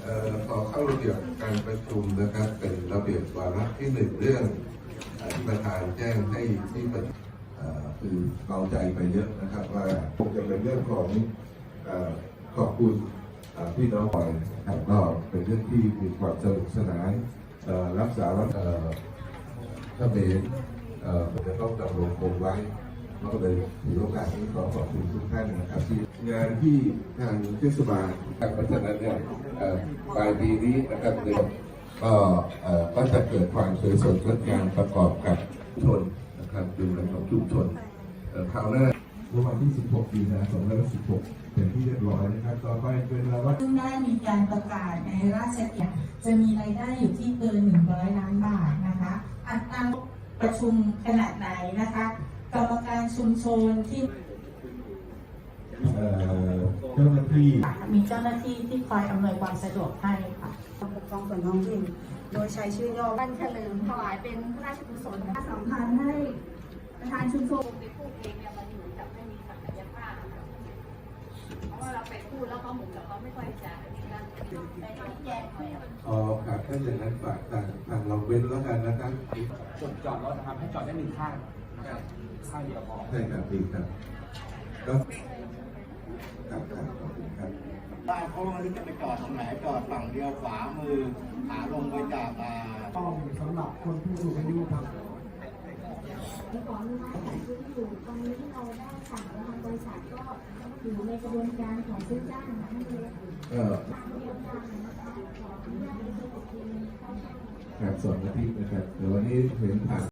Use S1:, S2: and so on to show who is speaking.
S1: ขอเข้าระเบียบการประชุมนะครับเป็นระเบียบวาระที่หนึ่งเรื่องที่ประธานแจ้งให้ที่ประชุมคือเบาใจไปเยอะนะครับว่าคงจะเป็นเรื่องของขอบคุณพี่น้องไปนะครับก็เป็นเรื่องที่มีความสนุกสนานรักษาถ้าเป็นจะต้องดำรงคงไว้ก็เลยถือโอกาสนี้ขอขอบคุณทุกท่านนะครับที่งานที่ทางเทศบาลเพราะฉะนั้นเนี่ยปลายปีนี้นะครับก็จะเกิดความสวยสดงดงามประกอบกับชุมชนนะครับดูแลของชุมชนคราวหน้าเมื่อวันที่ 16 มีนาคม 2516 เป็นที่เรียบร้อยนะครับต่อไปเป็นเราว่า
S2: ซึ่งได้มีการประกาศในราชกิจจะมีรายได้อยู่ที่เกิน100 ล้านบาทนะคะอัตราประชุมขนาดไหนนะคะกรรมการชุมชนที่
S1: เจ้าหน้าที่
S2: มีเจ้าหน้าที่ที่คอยอำนวยความสะดวกให้ค่ะ
S3: ปกครองส่วนท้องถิ่นโดยใช้ชื่อย่อ
S4: วันเฉลิมถวายเป็นพระราชกุศล
S3: สำคัญให้ประธานชุมชน
S4: ไปพูดเองเนี่ยมันเหมือนกับไม่มีศักยภาพเพราะว่าเราไปพูดแล้วเขาเหมือนกับเขาไม่ค่อยจะมีการไปชี้แจงหน่อย
S1: ครับถ้าอย่างนั้นฝากทางเราเว้นแล้วกันนะครับ
S5: จุดจอดรถนะครับให้จอดได้1 ข้างนะครับข้างเดียวพอ
S1: ใช่ครับดีครับก็ครับขอบคุณครับ
S6: บ้านเขาไม่รู้จะไปจอดตรงไหนจอดฝั่งเดียวขวามือขาลงไปจาก
S7: ต้องสำหรับคนผู้สูงอายุครับ
S8: ที่ขออนุญาตขายที่อยู่ตรงนี้ที่เราได้สั่งทางบริษัทก็อยู่ในกระบวนการของซื้อจ้างนะท่านเลย
S1: ครับ2 อาทิตย์นะครับเดี๋ยววันนี้เห็นผ่าน